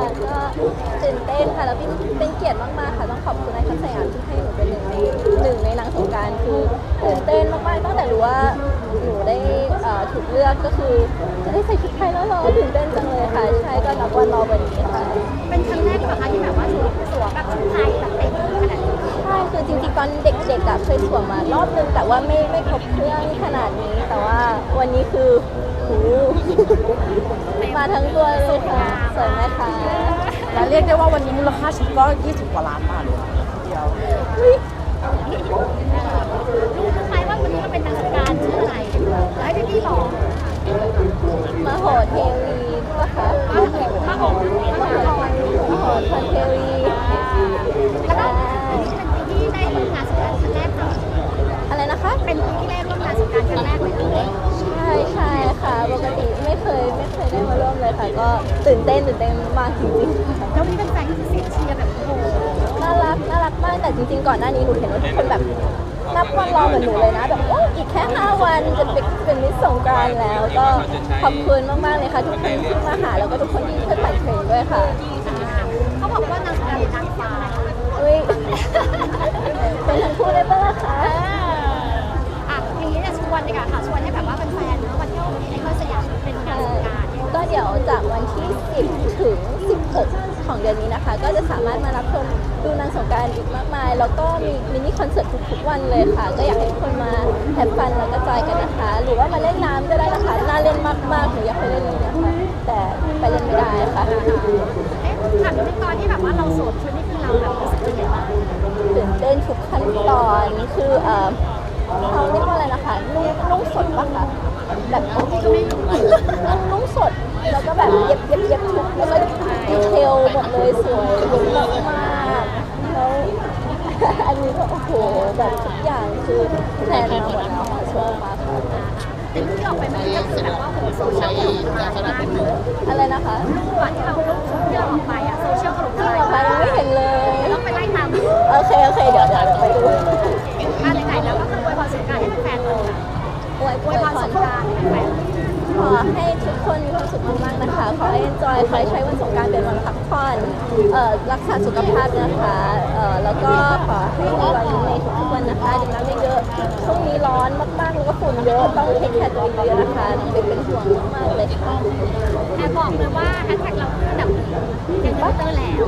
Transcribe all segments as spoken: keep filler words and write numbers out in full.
ก็ตื่นเต้นค่ะแล้วเป็นเป็นเกียรติมากๆค่ะต้องขอบคุณนายคัสยามที่ให้หนูเป็นหนึ่งในหนึ่งในนางสงกรานต์คือตื่นเต้นมากๆตั้งแต่รู้ว่าหนูได้เอ่อถูกเลือกก็คือจะได้ใส่ชุดไทยแล้วเหรอตื่นเต้นจังเลยค่ะใช่ก็นับวันรอวันนี้ค่ะเป็นครั้งแรกหรือเปล่าคะที่แบบว่าสวมสวมแบบชุดไทยแบบเต็มขนาดนี้ใช่คือจริงๆตอนเด็กๆอะเคยสวมมารอบนึงแต่ว่าไม่ไม่ครบเครื่องขนาดนี้แต่ว่าวันนี้คือโอ้มาทั้งตัวเลยค่ะสวยไหมคะและเรียกได้ว่าวันนี้มูลค่าชุดก็ยี่สิบกว่าล้านบาทเลยทีเดียวรู้ไหมว่าวันนี้เราเป็นนางสงกรานต์ชื่ออะไรให้พี่พี่บอกมโหเทวีป่ะคะมาโหมาโหมาโหมโหทนเทวีแล้วก็เป็นปีที่ได้ร่วมงานสงกรานต์ครั้งแรกเลยอะไรนะคะเป็นปีที่ได้ร่วมงานสงกรานต์ครั้งแรกเลยใช่ใช่ค่ะปกติไม่เคยไม่เคยได้มาร่วมเลยค่ะก็ตื่นเต้นตื่นเต้นมากจริงๆค่ะแล้วนี่เป็นแฟนที่เสียงเชียร์แบบโอ้โหน่ารักน่ารักมากแต่จริงๆก่อนหน้านี้หนูเห็นว่าทุกคนแบบนับวันรอเหมือนหนูเลยนะแบบโอ้อีกแค่ห้าวันจะเป็นเป็นมิสสงกรานต์แล้วก็ขอบคุณมากๆเลยค่ะทุกคนที่มาหาแล้วก็ทุกคนที่ช่วยปั่นเทรนด้วยค่ะเขาบอกว่านางสงกรานต์เป็นนางฟ้าอุ้ยเป็นทั้งคู่ได้ปะล่ะคะอ่ะทีนี้จะชวนดีกว่าค่ะชวนให้แบบว่าเป็นแฟนนะวันเที่ยวไอคอนสยามเป็นงานสงกรานต์ก็เดี๋ยวจากวันที่สิบถึงสิบหกของเดือนนี้นะคะก็จะสามารถมารับชมดูนางสงกรานต์อีกมากมายแล้วก็มีมินิคอนเสิร์ตทุกๆวันเลยค่ะก็อยากให้ทุกคนมาแฮปฟันแล้วก็จอยกันนะคะหรือว่ามาเล่นน้ำก็ได้นะคะน่าเล่นมากๆหนูอยากไปเล่นเลยนะคะแต่ไปเล่นไม่ได้ค่ะเอ๊ะถามในตอนที่แบบว่าเราสวมชุดนี่คือเราแบบรู้สึกยังไงบ้างตื่นเต้นทุกขั้นตอนคือเอ่อเขาเรียกว่าอะไรนะคะนุ่งนุ่งสดปะคะแบบบางทีก็ไม่นุ่งนุ่งสดแล้วก็แบบเย็บเย็บเย็บทุกแล้วก็ดีเทลหมดเลยสวยมากมากแล้วอันนี้ก็โอ้โหแบบทุกอย่างคือแพลนมาหมดแล้วค่ะชอบมากค่ะเป็นที่ออกไปมันก็คือแบบว่าโหโซเชียลถล่มทลายมากเลยอะไรนะคะรูปที่เรารูปที่เราออกไปอะโซเชียลถล่มทลายออกไปยังไม่เห็นเลยต้องไปไล่ตามโอเคโอเคเดี๋ยวเดี๋ยวไปดูอ่าไหนๆแล้วก็คืออวยพรสงกรานต์ให้แฟนๆเลยค่ะอวยอวยพรสงกรานต์ให้แฟนขอให้ทุกคนมีความสุขมากๆนะคะขอให้ enjoy ขอให้ใช้วันสงกรานต์เป็นวันพักผ่อนเอ่อรักษาสุขภาพนะคะเอ่อแล้วก็ขอให้มีวันในทุกๆวันนะคะดื่มน้ำเยอะๆช่วงนี้ร้อนมากๆแล้วก็ฝุ่นเยอะต้องเทคแคร์ตัวเองเยอะนะคะน้องเบนเป็นห่วงมากๆเลยค่ะแอบบอกเลยว่าแฮชแท็กเราคือแบบยังบัตเตอร์แล้ว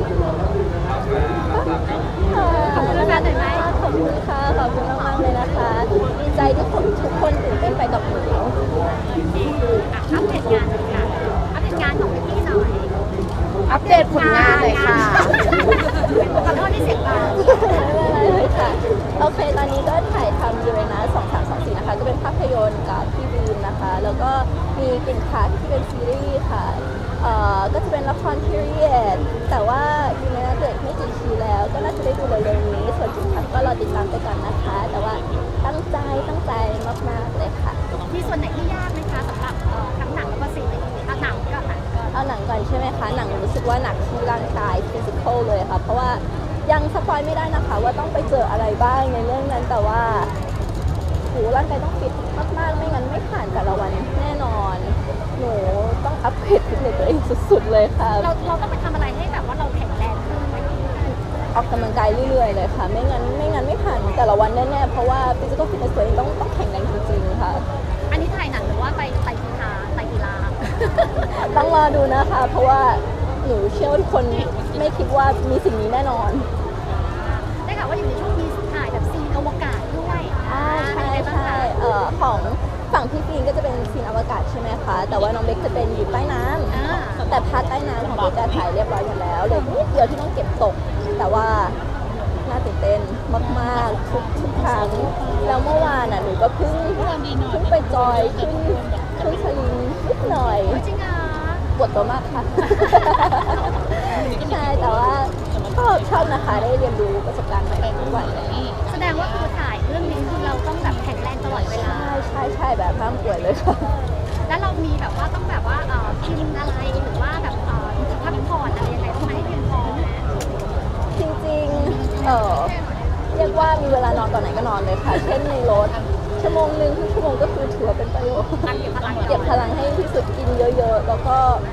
ขอบคุณแฟนหน่อยไหมขอบคุณค่ะขอบคุณมากๆเลยนะคะดีใจที่ทุกคนตื่นเต้นไปกับหนูอัปเดตงานเลยค่ะอัปเดตงานของพี่หน่อยอัปเดตผลงานเลยค่ะขอโทษที่เสียงเบาไม่เป็นไรเลยค่ะโอเคตอนนี้ก็ถ่ายทำยูเรนัสสองสามสองสี่นะคะก็เป็นภาพยนตร์กับพี่บีมนะคะแล้วก็มีกลิ่นคัทที่เป็นซีรีส์ค่ะเอ่อก็จะเป็นละครพีเรียดแต่ว่ายูเรนัสเกิดไม่กี่ทีแล้วก็น่าจะได้ดูเร็วๆนี้ส่วนกลิ่นคัทก็รอติดตามไปก่อนนะคะแต่ว่าตั้งใจตั้งใจมากๆเลยค่ะมีส่วนไหนที่ยากไหมคะสำหรับทั้งหนังแล้วก็ซีรีส์เอาหนังก็หนังก็เอาหนังก่อนใช่ไหมคะหนังรู้สึกว่าหนักที่ร่างกายฟิสิกอลเลยค่ะเพราะว่ายังสปอยไม่ได้นะคะว่าต้องไปเจออะไรบ้างในเรื่องนั้นแต่ว่าโหร่างกายต้องฟิตมากๆไม่งั้นไม่ผ่านแต่ละวันแน่นอนหนูต้องอัพเกรดฟิตเนสตัวเองสุดๆเลยค่ะเราเราต้องไปทำอะไรให้แบบว่าเราแข็งแรงขึ้นออกกำลังกายเรื่อยๆเลยค่ะไม่งั้นไม่งั้นไม่ผ่านแต่ละวันแน่ๆเพราะว่าฟิสิกอลฟิตเนสตัวเองต้องต้องแข็งแรงจริงๆค่ะอันนี้ถ่ายหนังหรือว่าไปไปกีฬาไปกีฬาต้องรอดูนะคะเพราะว่าหนูเชื่อว่าทุกคนไม่คิดว่ามีสิ่งนี้แน่นอนได้ข่าวว่าอยู่ในช่วงมีถ่ายแบบซีนอวกาศด้วยอ่าใช่ใช่เอ่อของฝั่งพี่ฟีนก็จะเป็นซีนอวกาศใช่ไหมคะแต่ว่าน้องเบคจะเป็นอยู่ใต้น้ำแต่พาร์ทใต้น้ำของเบคจะถ่ายเรียบร้อยหมดแล้วเลยนิดเดียวที่ต้องเก็บตกแต่ว่าน่าตื่นเต้นมากๆทุกทุกครั้งแล้วเมื่อวานอ่ะหนูก็เพิ่งเพิ่งไปจอยขึ้นขึ้นสลิงนิดหน่อยจริงอ่ะปวดตัวมากค่ะใช่แต่ว่าชอบชอบนะคะได้เรียนรู้ประสบการณ์ใหม่ทุกวันเลยแสดงว่าคือถ่ายเรื่องนี้คือเราต้องแบบแข็งแรงตลอดเวลาใช่ใช่แบบห้ามป่วยเลยค่ะแล้วเรามีแบบว่าต้องแบบว่าเอ่อกินอะไรหรือว่าแบบเอ่อพักผ่อนอะไรยังไงต้องมาให้เพียงพอไหมจริงๆเออเรียกว่ามีเวลานอนตอนไหนก็นอนเลยค่ะเช่นในรถชั่วโมงหนึ่งครึ่งชั่วโมงก็คือถือว่าเป็นประโยชน์เก็บพลังเก็บพลังให้ที่สุดกินเยอะๆแล้วก็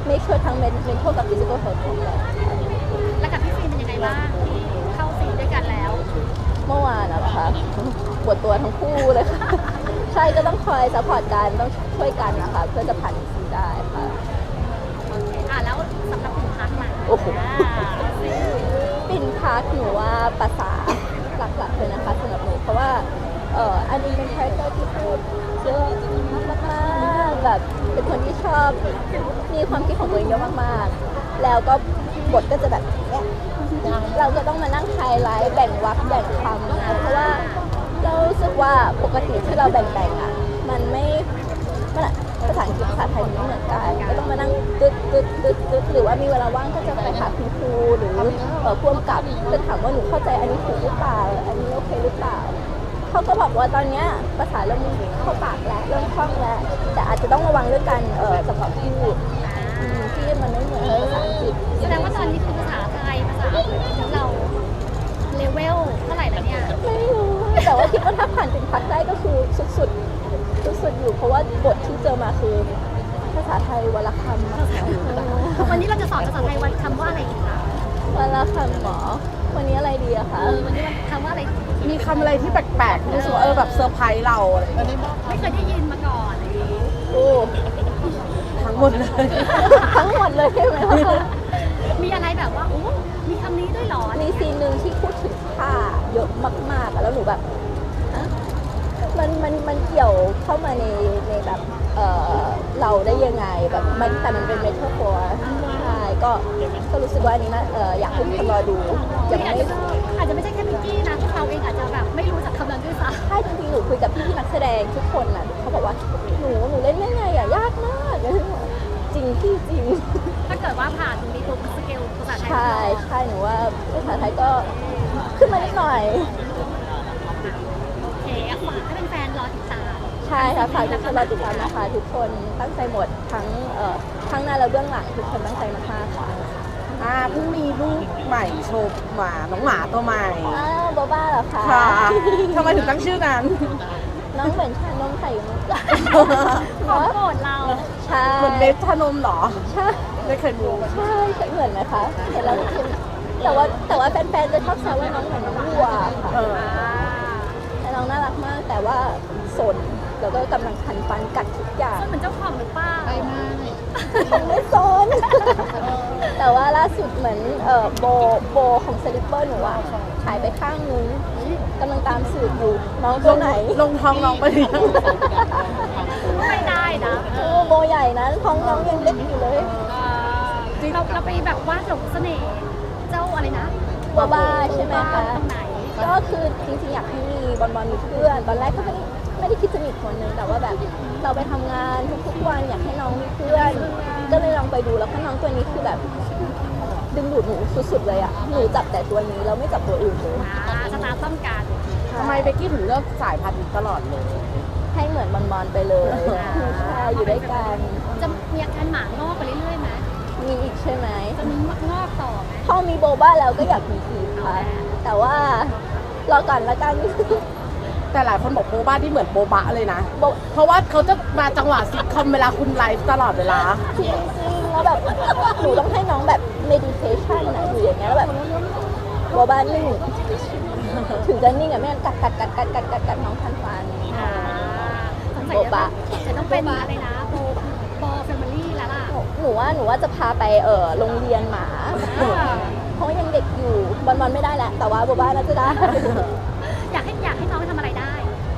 make sure ทั้ง mental กับ physical health ของเราแล้วกับพี่ฟิล์มเป็นยังไงบ้างที่เข้าซีนด้วยกันแล้วเมื่อวานนะคะปวดตัวทั้งคู่เลยค่ะ ใช่ก็ต้องคอยซัพพอร์ตกันต้องช่วยกันนะคะเพื่อจะผ่านซีได้ค่ะอ่ะแล้วสำหรับคุณพักมาโอ้โหอ่าปินพักหนูว่าภาษาหลักๆเลยนะคะสำหรับหนูเพราะว่าเอ่ออันนี้เป็นคาแรคเตอร์ที่พูดเยอะมากๆแบบเป็นคนที่ชอบมีความคิดของตัวเองเยอะมากๆ แล้วก็บทก็จะแบบเนี้ยเราก็ต้องมานั่งไฮไลท์แบ่งวรรคแบ่งคำนะเพราะว่าเรารู้สึกว่าปกติที่เราแบ่งๆอ่ะมันไม่มันอะภาษาอังกฤษภาษาไทยมันไม่เหมือนกันก็ต้องมานั่งตึ๊ดตึ๊ดตึ๊ดตึ๊ดหรือว่ามีเวลาว่างก็จะไปหาคุณครูหรือเอ่อพ่วงกับจะถามว่าหนูเข้าใจอันนี้ถูกหรือเปล่าอันนี้โอเคหรือเปล่าเขาก็บอกว่าตอนเนี้ยภาษาเริ่มเข้าปากแล้วเริ่มคล่องแล้วแต่อาจจะต้องระวังเรื่องการเอ่อจังหวะพูดอืมที่มันไม่เหมือนภาษาอังกฤษแสดงว่าตอนนี้คือภาษาไทยภาษาอังกฤษของเราเลเวลเท่าไหร่แล้วเนี่ยไม่รู้แต่ว่าคิดว่าถ้าผ่านเป็นพักได้ก็คือสุดๆสุดๆอยู่เพราะว่าบทที่เจอมาคือภาษาไทยวรรณคำอะค่ะวันนี้เราจะสอนภาษาไทยวันคำว่าอะไรอีกคะวรรณคำหมอวันนี้อะไรดีอะคะเออวันนี้มันคำว่าอะไรมีคำอะไรที่แปลกๆที่รู้สึกว่าเออแบบเซอร์ไพรส์เราอะไรอย่างเงี้ยไม่เคยได้ยินมาก่อนอะไรอย่างงี้โอ้ทั้งหมดเลยทั้งหมดเลยใช่ไหมคะมีอะไรแบบว่าโอ้มีคำนี้ด้วยเหรอมีซีนหนึ่งที่พูดถึงผ้าเยอะมากๆอะแล้วหนูแบบอะมันมันมันเกี่ยวเข้ามาในในแบบเออเราได้ยังไงแบบมันแต่มันเป็นเมทัลโฟร์ใช่ก็ก็รู้สึกว่าอันนี้นะเอออยากให้ทุกคนรอดูยังอาจไม่จะอาจจะไม่ใช่แค่พิงกี้นะพวกเราเองอาจจะแบบไม่รู้จักคำนั้นด้วยซ้ำใช่จริงๆหนูคุยกับพี่ๆนักแสดงทุกคนน่ะเขาบอกว่าหนูหนูเล่นได้ไงอ่ะยากมากจริงที่จริงถ้าเกิดว่าผ่านตรงนี้ปุ๊บสเกลภาษาไทยใช่ใช่หนูว่าภาษาไทยก็ขึ้นมานิดหน่อยโอเคฝากให้เป็นแฟนๆรอติดตามใช่ค่ะฝากทุกคนรอติดตามนะคะทุกคนตั้งใจหมดทั้งเอ่อทั้งหน้าและเบื้องหลังทุกคนตั้งใจมากๆค่ะอ่าเพิ่งมีลูกใหม่โชว์หมาน้องหมาตัวใหม่อ้าวโบบ้าเหรอคะค่ะทำไมถึงตั้งชื่อนั้นน้องเหมือนชานมไข่มุกของโปรดเราใช่เหมือนเบสชานมเหรอใช่ไม่เคยดูใช่ใช่เหมือนไหมคะเห็นแล้วคิดแต่ว่าแต่ว่าแฟนๆจะชอบแซวว่าน้องเหมือนน้องวัวค่ะเออแต่น้องน่ารักมากแต่ว่าสนแล้วก็กำลังคันฟันกัดทุกอย่างเหมือนเจ้าของหรือเปล่าไม่สน แต่ว่าล่าสุดเหมือนเอ่อโบโบของสลิปเปอร์หนูอะหายไปข้างนึงกำลังตามสืบอยู่น้องตัวไหนลงท้องน้องไปหรือยังไม่ได้นะโอ้โบใหญ่นะท้องน้องยังเล็กอยู่เลยเราเราไปแบบวาดหลงเสน่ห์เจ้าอะไรนะโบบ้าใช่ไหมคะตรงไหนก็คือจริงๆอยากให้มีบอลบอลมีเพื่อน ตอนแรกก็ไม่ได้ไม่ได้คิดจะมีคนนึงแต่ว่าแบบเราไปทำงานทุกๆวันอยากให้น้องมีเพื่อน ก็เลยลองไปดูแล้วก็น้องตัวนี้คือแบบดึงดูดหนูสุดๆเลยอะหนูจับแต่ตัวนี้เราไม่จับตัวอื่นเลยอ่าสตาร์ต้องการทำไมเบกกี้ถึงเลือกสายพันธุ์นี้ตลอดเลยให้เหมือนบอลบอลไปเลยใช่อยู่ด้วยกันจะมีอาการหมางอกไปเรื่อยๆไหมมีอีกใช่ไหมจะมีงอกต่อไหมพอมีโบบ้าแล้วก็อยากมีอีกค่ะ แต่ว่ารอก่อนละกันแต่หลายคนบอกโบบ้าที่เหมือนโบบะเลยนะโบเพราะว่าเขาจะมาจังหวะซิทคอมเวลาคุณไลฟ์ตลอดเวลาจริงๆแล้วแบบหนูต้องให้น้องแบบ meditation นะอยู่อย่างเงี้ยแล้วแบบโบบ้านิ่งถึงจะนิ่งอะไม่งั้นกัดกัดกัดกัดกัดกัดกัดน้องทันฟันอ่าสงสัยโบบะจะต้องเป็นอะไรนะโบโบแฟมิลี่แล้วล่ะหนูหนูว่าหนูว่าจะพาไปเออโรงเรียนหมา เพราะว่ายังเด็กอยู่บอลบอลไม่ได้แหละ แต่ว่าโบบ้าน่าจะได้อยากให้อยากให้น้องทำอะไรได้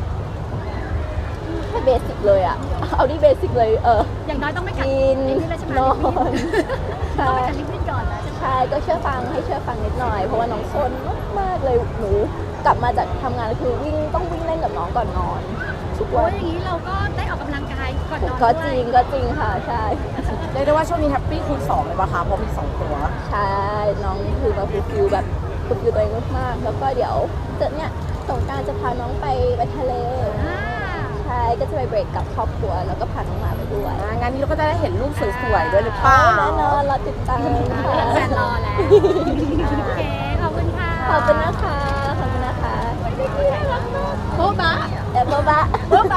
แค่เบสิกเลยอะเอาที่เบสิกเลยเอออย่างน้อยต้องไม่กัดกินไอ้นี่เลยใช่ไหมนอนต้องใช่ไม่กัดลิปบิ้นก่อนแล้วใช่ไหมใช่ก็เชื่อฟังให้เชื่อฟังนิดหน่อยเพราะว่าน้องซนมากๆเลยหนูกลับมาจากทำงานแล้วคือวิ่งต้องวิ่งเล่นกับน้องก่อนนอนทุกโอ้วัยนอย่างนี้เราก็ได้ออกกำลังกายก่อนนอนก็ด้จวยริงก็จริงค่ะใช่เรียกได้ว่าช่วงนี้แฮปปี้คูณสองเลยปะคะเพราะมีสองตัวใช่น้องคือมาฟูลฟิลแบบฟูลฟิลตัวเองมากๆแล้วก็เดี๋ยวเจอเนี่ยสงกรานต์จะพาน้องไปไปทะเลอ่าใช่ก็จะไปเบรกกับครอบครัวแล้วก็พาน้องหมาไปด้วยอ่างานนี้เราก็จะได้เห็นรูปสวยๆด้วยหรือเปล่าแน่นอนเราติดตามค่ะแฟนรอแล้ว โอเค ขอบคุณค่ะขอบคุณนะคะขอบคุณนะคะโบ๊ะบะเออโบบะ